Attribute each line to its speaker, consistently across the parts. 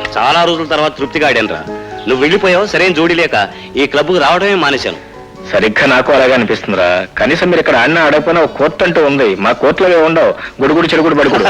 Speaker 1: చాలా రోజుల తర్వాత తృప్తిగా ఆడానురా. నువ్వు వెళ్ళిపోయావు, సరైన జోడీ లేక ఈ క్లబ్కు రావడమే మానేశాను.
Speaker 2: సరిగ్గా నాకు అలాగే అనిపిస్తుందిరా. కనీసం మీరు ఇక్కడ ఆడినా ఆడకపోయినా ఒక కోర్టు అంటూ ఉంది. మా కోర్టులో ఉండవు, గుడుగుడు చెడుగుడు బడుగుడు.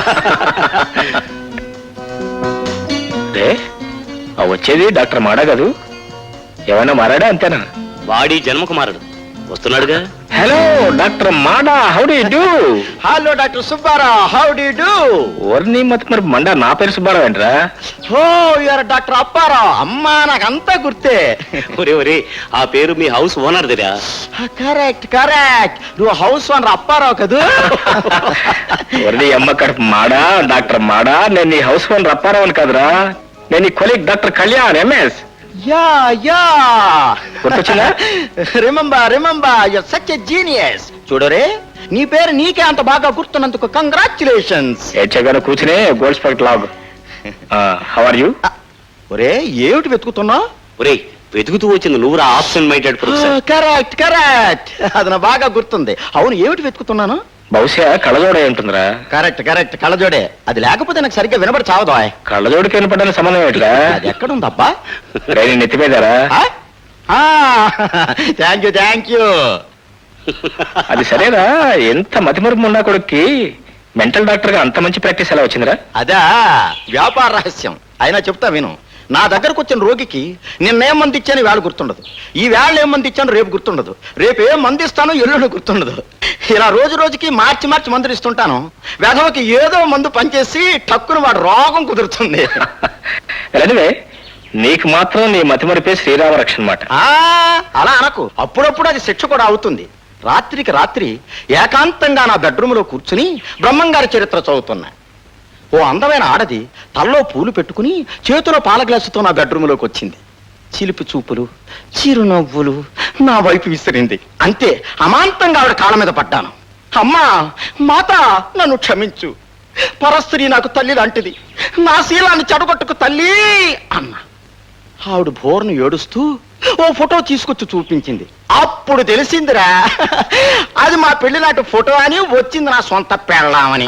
Speaker 2: వచ్చేది డాక్టర్ మాడా కాదు, ఏమైనా మారాడా అంతేనా?
Speaker 1: వాడి జన్మకు మారడు, వస్తున్నాడుగా.
Speaker 2: హలో డాక్టర్ మాడా, how do you do?
Speaker 3: Hello doctor Subbarao, how do you do?
Speaker 2: ఓర్ని మరి మండా, నా పేరు సుబ్బారావు ఏంట్రా?
Speaker 3: Oh you're doctor Apparao. అమ్మా నాకంతా గుర్తే.
Speaker 1: ఒరే ఆ పేరు మీ హౌస్ ఓనర్ దిరా.
Speaker 3: కరెక్ట్ కరెక్ట్, నువ్వు హౌస్ ఓనర్ అప్పారావు కదూ?
Speaker 2: ఓర్ని అమ్మ కడుపు మాడా, డాక్టర్ మాడా. నేను నీ హౌస్ ఓనర్ అప్పారావు అని కదరా, నేను నీ colleague doctor Kalyan MS.
Speaker 3: Yeah yeah
Speaker 2: గుర్తొచ్చిందా?
Speaker 3: Remember your such a genius. చూడరే, నీ పేరు నీకే అంత బాగా గుర్తున్నందుకు కంగ్రాచులేషన్స్.
Speaker 2: ఏడ్చగానే కూర్చునే గోల్డ్ స్పెక్ట్ లాగ్. How are you?
Speaker 3: ఒరే ఏమిటి వెతుకుతున్నావు?
Speaker 1: ఒరే వెతుకుతూ వచ్చింది నువ్వురా, absent minded professor.
Speaker 3: Correct correct, అది నా బాగా గుర్తుంది. అవును, ఏమిటి వెతుకుతున్నాను?
Speaker 2: బహుశా కళ్ళజోడే ఉంటుందిరా.
Speaker 3: కరెక్ట్ కరెక్ట్, కళ్ళజోడే. అది లేకపోతే నాకు సరిగ్గా వినబడి చావదా?
Speaker 2: కళ్ళజోడికి వినపడని సంబంధం ఏంట్రా?
Speaker 3: అది ఎక్కడుందబ్బా?
Speaker 2: నెత్తిమీదారా?
Speaker 3: Thank you.
Speaker 2: అది సరేరా, ఎంత మతిమరుపు ఉన్నా కొడుక్కి మెంటల్ డాక్టర్ గా అంత మంచి ప్రాక్టీస్ ఎలా వచ్చిందిరా?
Speaker 3: అదా వ్యాపార రహస్యం. అయినా చెప్తా విను. నా దగ్గరకు వచ్చిన రోగికి నిన్నేం మంది ఇచ్చాను వేళ గుర్తుండదు, ఈ వేళ ఏం మంది ఇచ్చాను రేపు గుర్తుండదు, రేపు ఏం మంది ఇస్తాను ఎల్లుండి గుర్తుండదు. ఇలా రోజు రోజుకి మార్చి మందులు ఇస్తుంటాను. వెధవకి ఏదో మందు పనిచేసి టక్కున వాడు రోగం కుదురుతుంది.
Speaker 2: నీకు మాత్రం నీ మతిమరిపే శ్రీరామ రక్షణ మాట.
Speaker 3: అలా అనకు, అప్పుడప్పుడు అది శిక్ష కూడా అవుతుంది. రాత్రికి రాత్రి ఏకాంతంగా నా బెడ్రూమ్ లో కూర్చుని బ్రహ్మంగారి చరిత్ర చదువుతున్నా. ఓ అందమైన ఆడది తల్లో పూలు పెట్టుకుని చేతిలో పాల గ్లాసుతో నా బెడ్రూమ్లోకి వచ్చింది. చిలిపి చూపులు, చిరునవ్వులు నా వైపు విసిరింది. అంతే, అమాంతంగా ఆవిడ కాళ్ళ మీద పడ్డాను. అమ్మా మాత, నన్ను క్షమించు. పరస్త్రీ నాకు తల్లి లాంటిది, నా శీలాన్ని చెడగొట్టుకు తల్లి అన్న. ఆవిడ బోర్ను ఏడుస్తూ ఓ ఫోటో తీసుకొచ్చి చూపించింది. అప్పుడు తెలిసిందిరా, అది మా పెళ్లి నాటి ఫోటో అని, వచ్చింది నా సొంత పెళ్ళామని.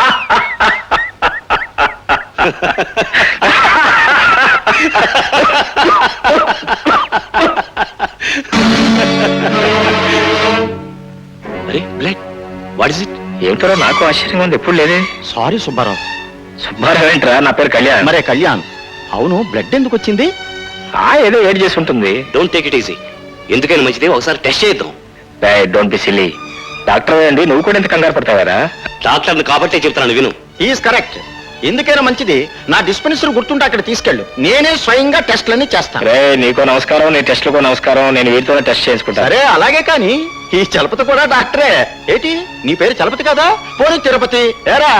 Speaker 2: ఏమిటో నాకు ఆశ్చర్యంగా ఉంది, ఎప్పుడు లేదే.
Speaker 3: సారీ సుబ్బారావు.
Speaker 2: సుబ్బారావు ఏంట్రా? నా పేరు కళ్యాణ్.
Speaker 3: మరే కళ్యాణ్. అవును, బ్లడ్ ఎందుకు వచ్చింది?
Speaker 2: ఏదో ఏడ్ చేసి ఉంటుంది.
Speaker 1: డోంట్ టేక్ ఇట్ ఈజీ, ఎందుకైనా మంచిది ఒకసారి టెస్ట్ చేద్దాం.
Speaker 2: Don't be silly. డాక్టర్ అండి, నువ్వు కూడా ఎంత కంగారు పడతావారా?
Speaker 1: డాక్టర్ని కాబట్టే చెప్తాను, విను.
Speaker 3: Is correct. ఎందుకైనా మంచిది, నా డిస్పెన్సరీ గుర్తుంటే అక్కడ తీసుకెళ్ళు, నేనే స్వయంగా టెస్ట్లన్నీ చేస్తాను.
Speaker 2: రే నీకో నమస్కారం, నీ టెస్ట్లకో నమస్కారం. నేను వీటితోనే టెస్ట్ చేసుకుంటా.
Speaker 3: సరే అలాగే, కానీ ఈ చలపతి కూడా డాక్టరే. ఏంటి నీ పేరు చలపతి కదా? పోనీ తిరుపతి ఏరా.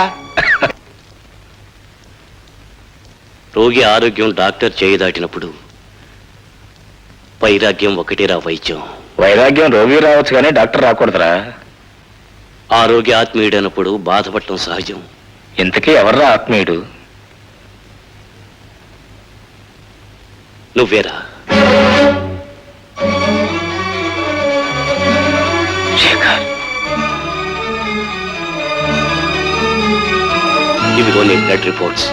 Speaker 1: రోగి ఆరోగ్యం డాక్టర్ చేయి దాటినప్పుడు వైరాగ్యం ఒకటేరా వైద్యం.
Speaker 2: వైరాగ్యం రోగి రావచ్చు కానీ డాక్టర్ రాకూడదురా.
Speaker 1: ఆరోగ్య ఆత్మీయుడైనప్పుడు బాధపడటం సహజం.
Speaker 2: ఇంతకీ ఎవర్రా ఆత్మీయుడు?
Speaker 1: నువ్వేరా. ఇవిగో నీ బ్లడ్ రిపోర్ట్స్.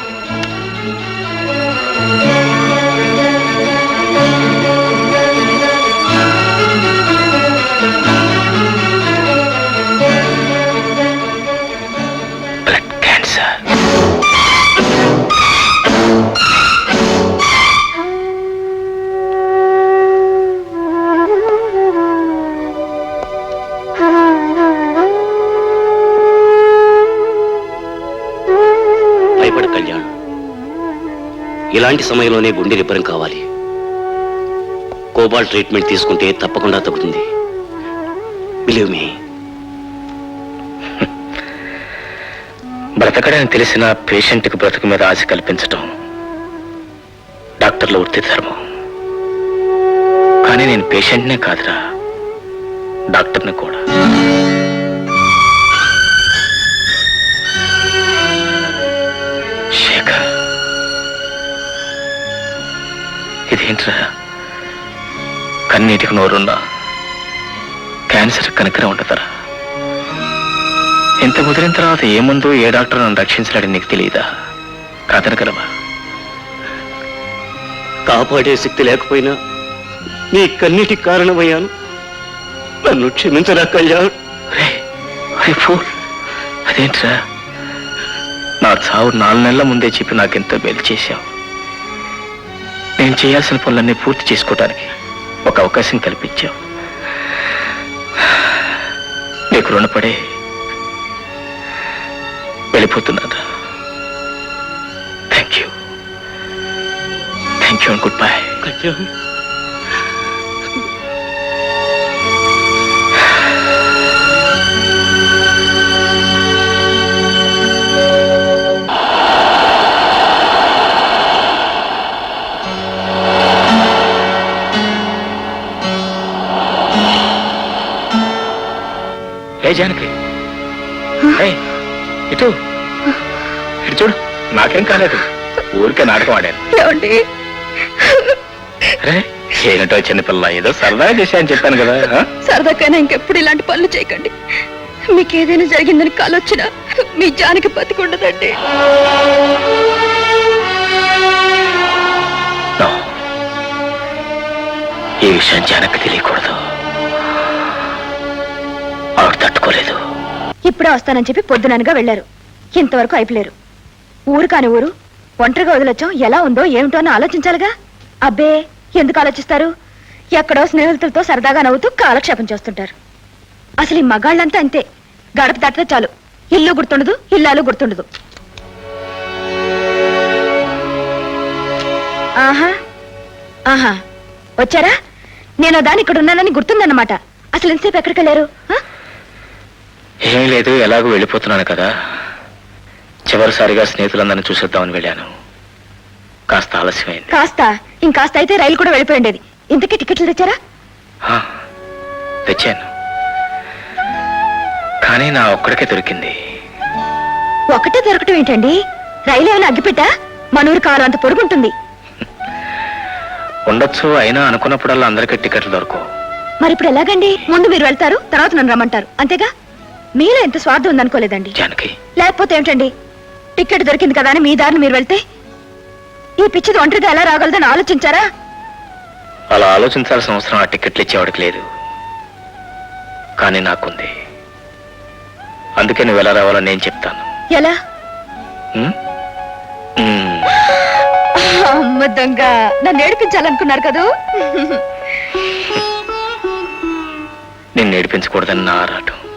Speaker 1: కళ్యాణ్, ఇలాంటి సమయంలోనే గుండె రిపేరం కావాలి. కోబాల్ట్ ట్రీట్మెంట్ తీసుకుంటే తప్పకుండా తగ్గుతుంది. Believe me.
Speaker 2: బ్రతకడని తెలిసిన పేషెంట్కి బ్రతుకు మీద ఆశ కల్పించటం డాక్టర్ల వృత్తి ధర్మం. కానీ నేను పేషెంట్నే కాదురా, డాక్టర్ని కూడా. ఇదేంట్రా, కన్నీటికి నోరున్నా క్యాన్సర్ కనుకనే ఉంటుందరా. ఇంత ముదిరిన తర్వాత ఏ ముందు ఏ డాక్టర్ నన్ను రక్షించలేడని నీకు తెలియదా? కాదనగలవా?
Speaker 1: కాపాడే శక్తి లేకపోయినా నీ కన్నిటికి కారణమయ్యాను. నన్ను క్షమించరా కళ్యాణ్.
Speaker 2: అదేంట్రా, నా చావు 4 నెలల ముందే చెప్పి నాకెంతో మేలు చేశావు. నేను చేయాల్సిన పనులన్నీ పూర్తి చేసుకోవడానికి ఒక అవకాశం కల్పించావు. నీకు రుణపడే వెళ్ళిపోతున్నాను. Thank you and good bye.
Speaker 1: Kalyan,
Speaker 2: ఏ జానకి, ఇటు చూడు, నాకేం కాలేదు, ఊరికే నాటకం ఆడాను. అరే ఏమిటో చిన్నపిల్ల, ఏదో సరదాగా చేశాయని చెప్పాను కదా.
Speaker 4: సరదాకైనా ఇంకెప్పుడు ఇలాంటి పనులు చేయకండి. మీకు ఏదైనా జరిగిందని కాలొచ్చినా మీ జానికి బతికుండదండి.
Speaker 2: ఈ విషయం జానకి తెలియకూడదు. ఆవిడ తట్టుకోలేదు.
Speaker 4: ఇప్పుడే వస్తానని చెప్పి పొద్దుననగా వెళ్ళారు. ఇంతవరకు అయిపోలేరు. ఊరు కాని ఊరు ఒంటరిగా వదిలొచ్చాం. ఎలా ఉందో ఏమిటో అని ఆలోచించాలిగా. అబ్బే, ఎందుకు ఆలోచిస్తారు? ఎక్కడో స్నేహితులతో సరదాగా నవ్వుతూ కాలక్షేపం చేస్తుంటారు. అసలు ఈ మగాళ్ళంతా అంతే. గడప తట్టితే చాలు, ఇల్లు గుర్తుండదు, ఇల్లాలు గుర్తుండదు. ఆహా ఆహా, వచ్చారా? నేను దాని ఇక్కడ ఉన్నానని గుర్తుందన్నమాట. అసలు ఎంతసేపు ఎక్కడికి వెళ్ళారు?
Speaker 2: ఏం లేదు, ఎలాగో వెళ్ళిపోతున్నాను కదా. చివరిసారిగా స్నేహితులందరినీ చూసేద్దామని వెళ్ళాను. కాస్త ఆలస్యమైంది.
Speaker 4: కాస్త ఇంకాస్త అయితే రైలు కూడా వెళ్ళిపోయి ఉండేది. ఇంతకీ టికెట్లు తెచ్చారా?
Speaker 2: తెచ్చాను, కానీ నా ఒక్కడికే దొరికింది.
Speaker 4: ఒకటే దొరకటం ఏంటండి? రైలు ఏమైనా అగ్గిపెట్టా? మనూరు కారు అంత పొడుగుంటుంది.
Speaker 2: ఉండొచ్చు, అయినా అనుకున్నప్పుడల్లా అందరికీ టికెట్లు దొరకవు.
Speaker 4: మరి ఇప్పుడు ఎలాగండి? ముందు మీరు వెళ్తారు, తర్వాత నన్ను రమ్మంటారు, అంతేగా? మీలో ఎంత స్వార్థం ఉందనుకోలేదండి.
Speaker 2: జానకి,
Speaker 4: లేకపోతే ఏమిటండి, టికెట్ దొరికింది కదా అని మీ దారిని మీరు వెళ్తే ఈ పిచ్చిది ఒంటరిగా ఎలా రాగలదని ఆలోచించారా?
Speaker 2: అలా ఆలోచించాల్సిన అవసరం ఆ టికెట్లు ఇచ్చేవాడికి లేదు, కానీ నాకుంది. అందుకే నువ్వు ఎలా రావాలని నేను చెప్తాను.
Speaker 4: ఎలా? అమ్మ దొంగ, నన్ను ఏడిపించాలనుకున్నారు కదూ?
Speaker 2: నిన్ను ఏడిపించకూడదని నా ఆరాటం.